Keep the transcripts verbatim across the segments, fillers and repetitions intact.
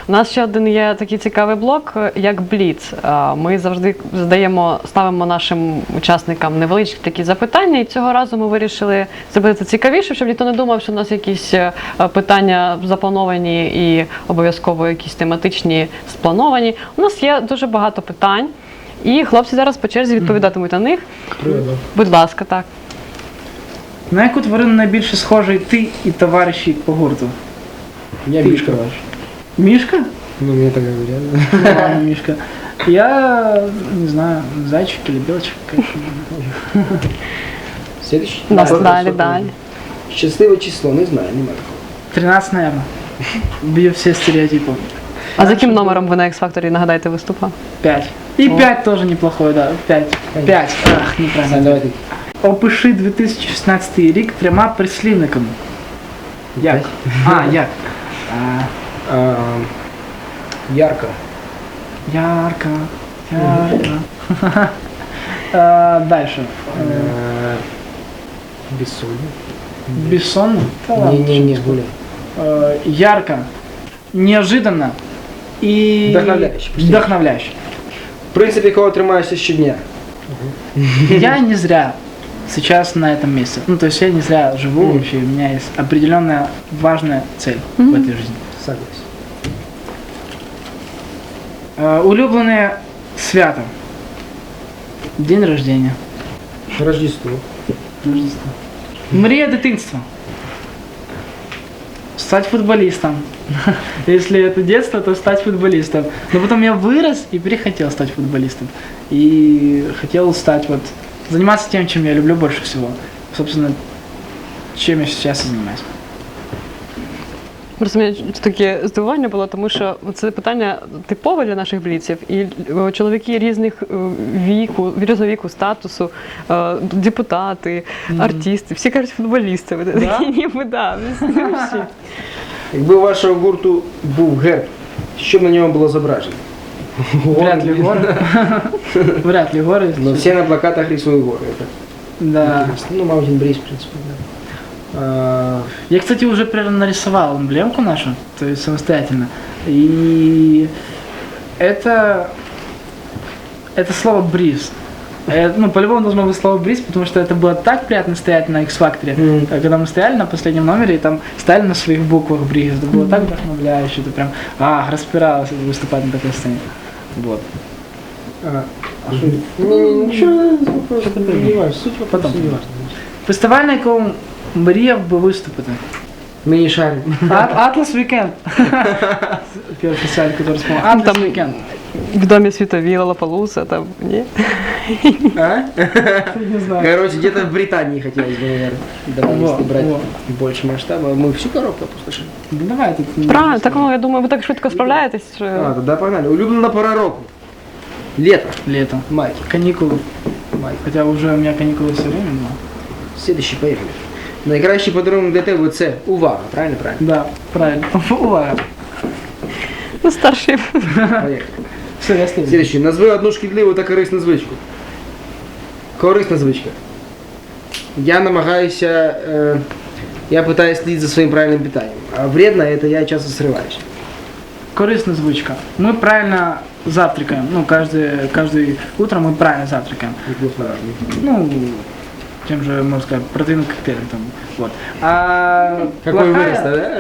У нас ще один є такий цікавий блок, як Бліц. Ми завжди задаємо, ставимо нашим учасникам невеличкі такі запитання, і цього разу ми вирішили зробити це цікавіше, щоб ніхто не думав, що у нас якісь питання заплановані і обов'язково якісь тематичні сплановані. У нас є дуже багато питань, і хлопці зараз по черзі відповідатимуть на них. Привіт. Будь ласка, так. На яку тварину найбільше схожий ти і товариші по гурту? Я Ты Мишка. ваш. Мишка? Ну, мне так говорят. Ну, ладно, Мишка. Я не знаю, зайчик или белочек, конечно. Следующий. Нас Вопрос далі, такой. далі. Щасливе число, не знаю, немає такого. тринадцать, наверное. Бью все стереотипы. А за яким номером ви на X-Factor, нагадайте, виступали? Пять. И О. пять тоже неплохой, да. Пять. Пять. Ах, Сань, неправильно. давай ти. Опиши дві тисячі шістнадцятий рік трьома прислівниками. Як? А, як? А, А, ярко. ярко, ярко. А, дальше. А, Бессонно. Бессонно? Да ладно. Не, не, не, более. Э, ярко, неожиданно и Вдохновляюще, почти. вдохновляюще. В принципе, кого тримаешься щодня. Я не зря сейчас на этом месте. Ну, то есть я не зря живу Мгм. вообще, у меня есть определенная важная цель в этой жизни. Согласен. Э, улюбленное свято. День рождения. Рождество. Рождество. Мрія дитинства. Стать футболистом. Если это детство, то стать футболистом. Но потом я вырос и перехотел стать футболистом. И хотел стать вот, заниматься тем, чем я люблю больше всего. Собственно, чем я сейчас и занимаюсь. Просто мені таке здивування було, тому що це питання типове для наших бліців, і е, чоловіки різних е, віку, різного віку, статусу, е, депутати, артисти, всі кажуть футболісти. Ви Да? такі, ніби, да, всі. Якби у вашого гурту був герб, що б на ньому було зображено? Вряд ли горы. Вряд ли горы. Но все на плакатах рисуют горы. Это Да. интересно. Ну, Mountain Breeze, в принципе, да. А, Я, кстати, уже прям нарисовал эмблемку нашу, то есть самостоятельно. И это, это слово «бриз». Э, Ну, по-любому должно быть слово «бриз», потому что это было так приятно стоять на X-Factor, Мгм. когда мы стояли на последнем номере, и там стояли на своих буквах «бриз». Это было так вдохновляюще, это прям, а, распиралось выступать на такой сцене. Вот. а, а что это? Не, не, ничего, не важно, суть вопроса Потом. не важно. Фестиваль, на якому мріяв би виступити. Мы не шарим. Ат- Атлас Weekend. Первый фестиваль, который вспомнил. Атлас Там- Weekend. В домі світові, Лалапалуса, там, ні? А? Не знаю. Короче, где-то в Британии хотелось бы, наверное. Давай, Во, если брать во. больше масштаба. Мы всю коробку опустошим. Ну давай тут. Правильно, так, ну, я думаю, ви так швидко справляєтесь, що... А, тогда погнали. Улюблена пора року. Лето. Лето. Майки. Каникулы. Майки. Хотя уже у меня каникулы все время, но... Следующий, поехали. Найкращий подарунок для тебе це увага, правильно? Правильно. Да, правильно. Увага. Ну, старший. Поехали. Все, я следую. Следующий. Назви одну шкідливу та корисну звичку. Корисна звичка. Я намагаюся, е, я пытаюсь слідити за своїм правильним питанням. А вредно это я часто срываюсь. Корыстная звучка. Мы правильно завтракаем. Ну, каждый, каждый утро мы правильно завтракаем. Неплохо. Ну, тем же, можно сказать, протеиновым коктейлем там. Вот. А Какой плохая- вырос, да?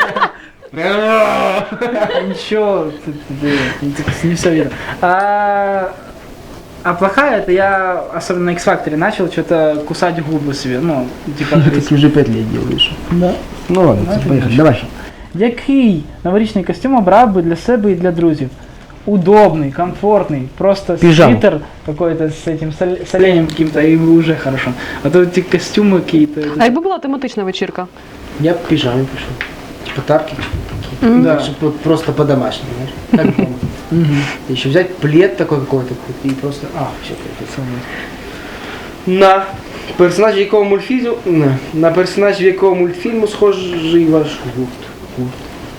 Ничего, ты- ты- ты- ты- не все видно. А, а плохая, это я, особенно на X-Factor, начал что-то кусать губы себе, ну, типа... Ты уже пять лет делаешь. Да. Ну ладно, Знаешь, поехали, конечно. давай. Який новорічний костюм обрав би для себе і для друзів? Удобный, комфортный, просто Пижама. свитер какой-то с этим с оле- с оленем каким-то, и уже хорошо. А то эти костюмы какие-то... это- А якби була тематична вечірка? Я в пижаме пришел. Типа тапки Мгм. Да. чтобы вот просто по-домашнему, знаешь, как дома. Мгм. Еще взять плед такой какой-то и просто, а, все, на персонаж якого мультфільму, на, на персонаж якого мультфільму схожий ваш гурт. Гурт.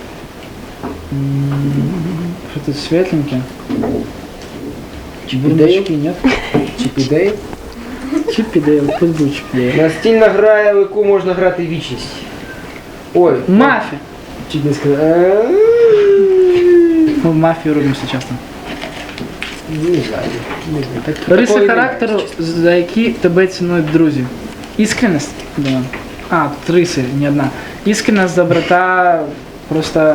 Что-то светленькое. Чип і Дейл? Бурундучки, нет? Чип і Дейл. Чип и Дейл, пусть будет Чип и Дейл. Настільна гра, в яку можна грати вічність. Ой. Мафия. Чуть не сказав. Мы в мафию рубимся часто. Не знаю. Не знаю. Так, Риси такої характеру, немає, чесно. за які тебе цінують друзі. Іскренність, да. А, тут риси, не одна. Іскренність, доброта, просто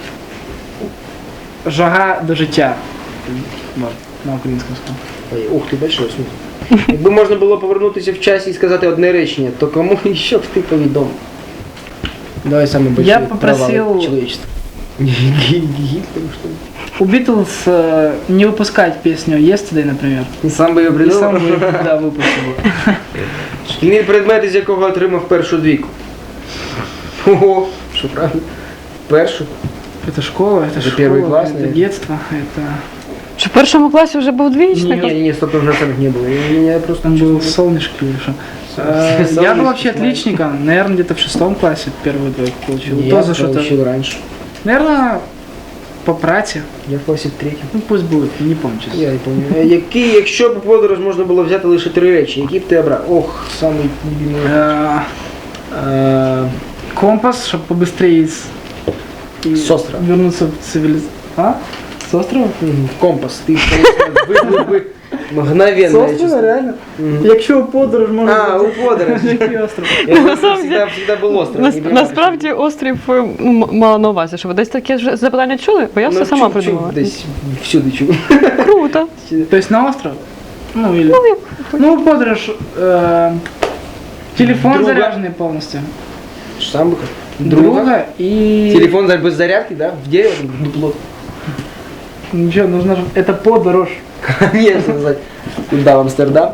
жага до життя. Вот, на українському сказав. Ой, ух ти, большой смысл. Якби можна було повернутися в часі і сказати одне речення, то кому ще б ти повідомив? Давай самый большой Я попросил- провал человечества. Гитлер, что ли? У Битлз э, не выпускать песню Yesterday, например. І сам би її И сам придумав. бы, да, выпустил бы. Шкільний предмет, із якого отримав першу двійку. Ого, що правда? Першу? Это школа, это Это школа, первый класс, это наверное. детство, это... Чи в першому класі вже був двічник? Не, не, не, стоп, уже там не было. Я, я просто Там был чувствовал. солнышко или что. Солнышко, Э, Я был вообще знаешь. отличником, наверное, где-то в шестом классе первую двойку получил. Я То за что-то. получил раньше. Наверное, по праці. Я в класі в третьому. Ну пусть будет, не помню честно. Я не пам'ятаю. Який, якщо б у подорож можна було взяти лише три речі, які б ти обрав? Ох, самий любимий. Э, Е, Компас, чтобы побыстрее из... и С острова. Вернуться в цивилизацию. А? С острова? мгм, Компас. Ти, конечно, виплив би мгновенно. С я острова, чувствую. реально? Мгм. Якщо подорож можна... А, у подорож. Який остров? Я На самом всегда, всегда был остров. Нас, не понимаю, насправді острів е, м- мала на увазі, що ви десь таке ж запитання чули, бо я Ну, все сама чув- чув придумала. Десь всюди чув. Круто. То есть на остров? Ну или... Ну, як Ну, подорож... э, телефон Друга. заряженный полностью. Сам бы как. Друга, и... Телефон за- без зарядки, да? В дерево, дупло. Ничего, нужно же... Это подорож. Конечно, сказать. Куда в Амстердам?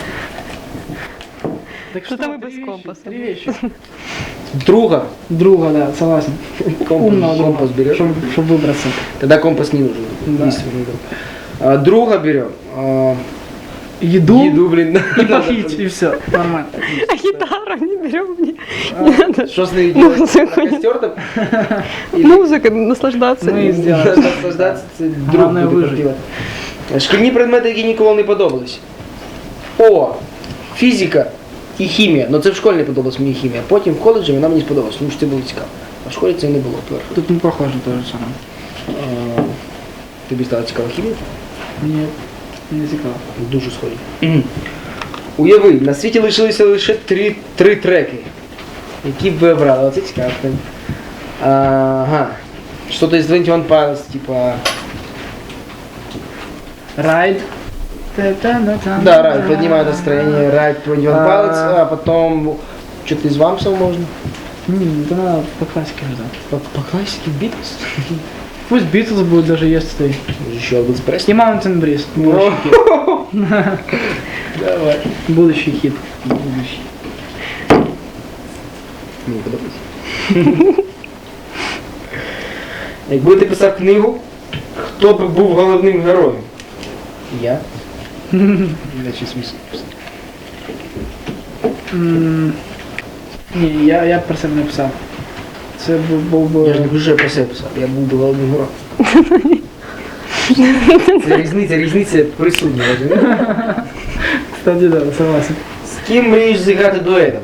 Так Что там и три без вещи, компаса? Три вещи. Друга. Друга, да, согласен. Компас, Умного друга, компас берешь. чтобы выбраться. Тогда компас не нужен. Да. Единственный друг. А, друга берем. А, Еду, еду, блин. и попить, и все. Нормально. а гітару не беремо ні. Не надо. Что с ней Ну, делать? це На костер там? Или- Музика, наслаждатися. Ну, і сделаем. Надо наслаждаться, це друг Главное буде вижити. пропівати. Шкільні предмети, які ніколи не подобались. О, фізика і хімія. Ну це в школі не подобалась мені хімія. Потім в коледжі вона мені сподобалась, тому що це було цікаво. А в школі це не було перше. Тут не похоже то же самое. А, тобі стала цікава хімія? Нет, не цікаво. Дуже схожі. Уяви, на світі лишилися лише три, три треки. Які б ви обрали? Оце цікаво. Ага. Что-то из двадцять один Pilots, типа... Райд. Да, райд, поднимает настроение, райд двадцать один Pilots, а потом... Что-то из Вамсов можно? Не, это надо по классике же. По, по классике Beatles? Пусть Битлз будет даже Yesterday. Еще Elvis Presley. И Mountain Breeze. Будущий хит. Давай. Будущий хит. Будущий. Мені подобається. Якби ти писав книгу, хто б був головним героєм? Я? Я щось смішно. М, Ні, я, я про себе не писав. Це був, був би... Я ж не вже про себе писав, я був би головним героєм. Це різниця, різниця присутня, розумієш? Кстати, да, согласен. З ким мрієш зіграти дуетом?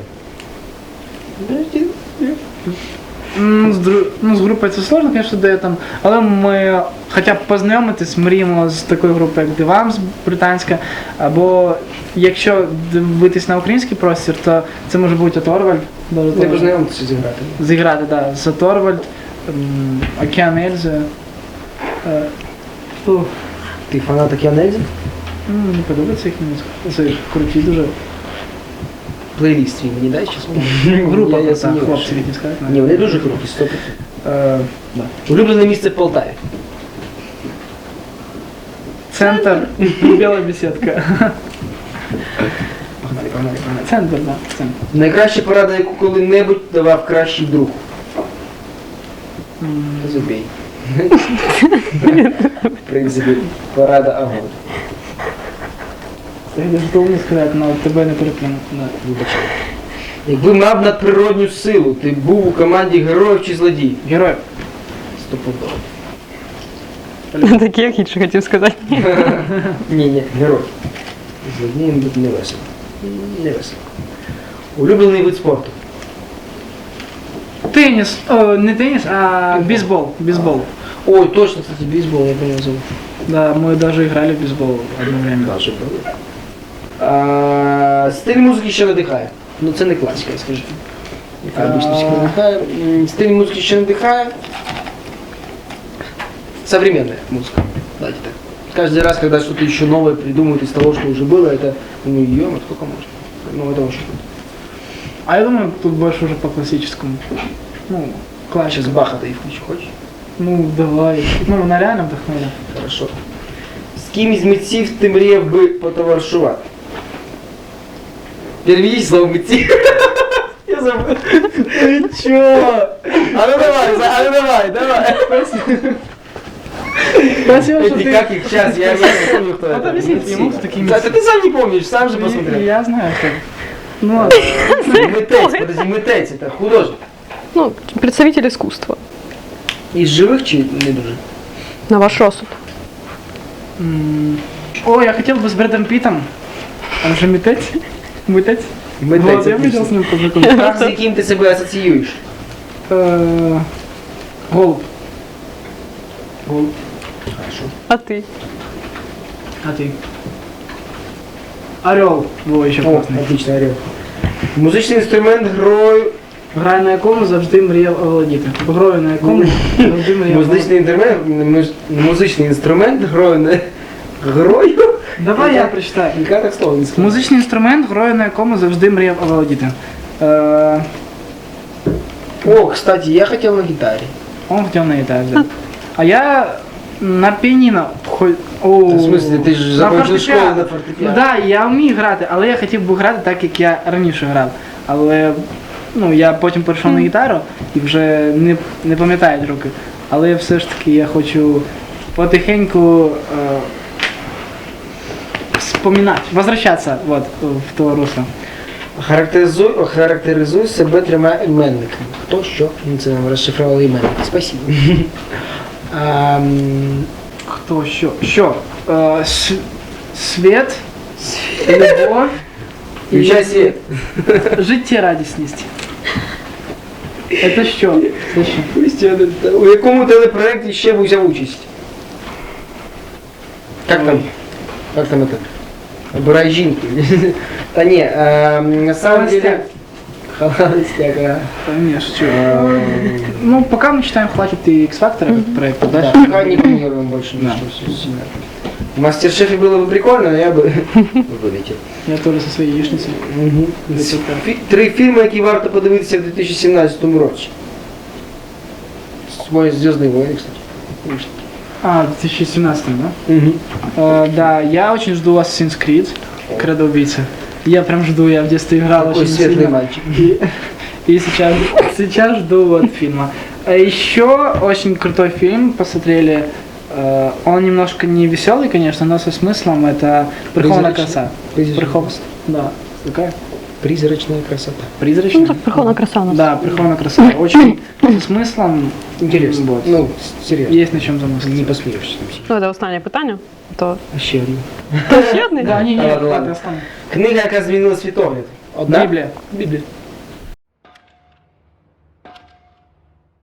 М, З, дру... ну, з групою це сложно, звісно, дуетом, але ми хоча б познайомитись, мріємо з такою групою, як Дивамс британська, або якщо дивитись на український простір, то це може бути Оторвальд. Даже Не Оторвальд. познайомитися зіграти. Зіграти, так, да, з Оторвальд, м, Океан Ельзи. Е, ух, Ти фанат Океана Ельзи? ну, мені подобається їх музика. Це круті дуже. Плейліст свій мені дай щас? Група, я, я так, сумніваюся. хлопці, які сказати. Ні, вони дуже круті, сто відсотків. Е, да. Улюблене місце в Полтаві. Центр, біла беседка. Погнали, погнали, погнали. Центр, да, центр. Найкраща порада, яку коли-небудь давав кращий друг. М, Забій. В принципі, порада огонь. Я даже должен сказати, але тебе не переплюнути. Да. Вибачай. Якби мав надприродню силу, ти був у команді героїв чи злодіїв? Герой. Стопудово. Такі, як інше хотів сказати. Ні, ні, герой. Злодієм бути не весело. Не весело. Улюблений вид спорту. Теніс, о, не теніс, а бейсбол. Бейсбол. Ой, точно, кстати, бейсбол, я понял зовут. Да, мы даже играли в бейсбол одно время. Даже было. А, стиль музики що надихає? Ну це не класика, скажи. Яка обычно всіх надихає. М, Стиль музики що надихає? Современная музыка. Давайте так. Каждый раз, когда что-то еще новое придумывают из того, что уже было, это, ну, ё сколько можно. Ну, это очень круто. А я думаю, тут больше уже по классическому. Ну, классика. Сейчас Баха-то и включу, хочешь? Ну, давай. Ну, вона реально вдохновляє. Хорошо. З ким із митців ти мріяв би потоваришувати? Переведіть слово митців. Я забыл. Ты чё? А ну давай, за- а ну давай, давай. Спасибо, что Эти ты... как их сейчас, я не помню, кто Вот это. объясните ему, кто такие Да, митцы. это ты сам не помнишь, сам же посмотрел. Я знаю, кто. Ну ладно. Митець, подожди, митець, это художник. Ну, представитель искусства. Із живих чи не дуже? На ваш розсуд. М, О, я хотел бы с Брэдом Питтом. Он же митец. Митец. Митець, Вот, я отлично. хотел с ним познакомиться. Так, з яким ти себе асоціюєш? Э, Голубь. Голуб. Хорошо. А ти? А ты? Орел. Во, еще О, классный. отлично, орел. Музичний інструмент грою. Граю на якому завжди мріяв оволодіти. Грою на якому завжди мріяв Музичний інструмент, муз- музичний інструмент грою на грою. Давай я прочитаю. Яка так слово не скажу. Музичний інструмент, грою на якому завжди мріяв оволодіти. Е, О, кстати, я хотел на гитаре. Он хотів на гітарі взяти. А я на піаніно. хо- О, В смысле, ти ж на закончив фортепіано. школу на фортепіано. Ну да, я вмію грати, але я хотів би грати так, як я раніше грав. Але ну, я потім перейшов на гітару і вже не, не пам'ятають руки. Але все ж таки я хочу потихеньку е, вспоминати, возвращатися вот, в то русло. Характеризуй, характеризуй себе трьома іменниками. Хто, що? Ну, це нам розшифрували іменники. Спасибо. Ам, Хто що? Що? Е, с- світ, любов Включай світ. життєрадісність. Це що? Це що? Костя, у якому телепроекті ще б взяв участь? Как там? Как там это? Обирай жінки. Та ні, ем, на самом деле... Холостяк, а. Конечно, что? Ем, Ну, пока мы считаем, хватит и X-Factor этот проект, Да, дальше. пока не планируем больше Да. ничего сильно. В Мастер-шефе было бы прикольно, но я бы вылетел. Я тоже со своей яичницей. Фі- Три фільми, які варто подивитися в дві тисячі сімнадцятому році. Свой Звездные войны, кстати. А, в две тысячи семнадцатом, да? Угу. Э, да, я очень жду Assassin's Creed, Кредо убийца. Я прям жду, я в детстве играл Такой очень светлый сильно. мальчик. И, и сейчас, сейчас жду вот фильма. А еще очень крутой фильм посмотрели. Э, он немножко не веселый, конечно, но со смыслом. Это «Прихованная Призрачный. краса». Призрачный. Прихов... Да. Какая? Призрачная красота. Призрачная? Ну так прихована краса у нас. Да, «Прихованная краса». Очень со смыслом. Интересно. Вот. Ну, серьезно. Есть на чем замыслить. Не посмеешься там всі. Ну, це останнє питання. То Ще один. ще одне? Да, не, не, Ладно, ладно, ладно. оставим. Книга, яка змінила світогляд. Одна? Библия. Біблія.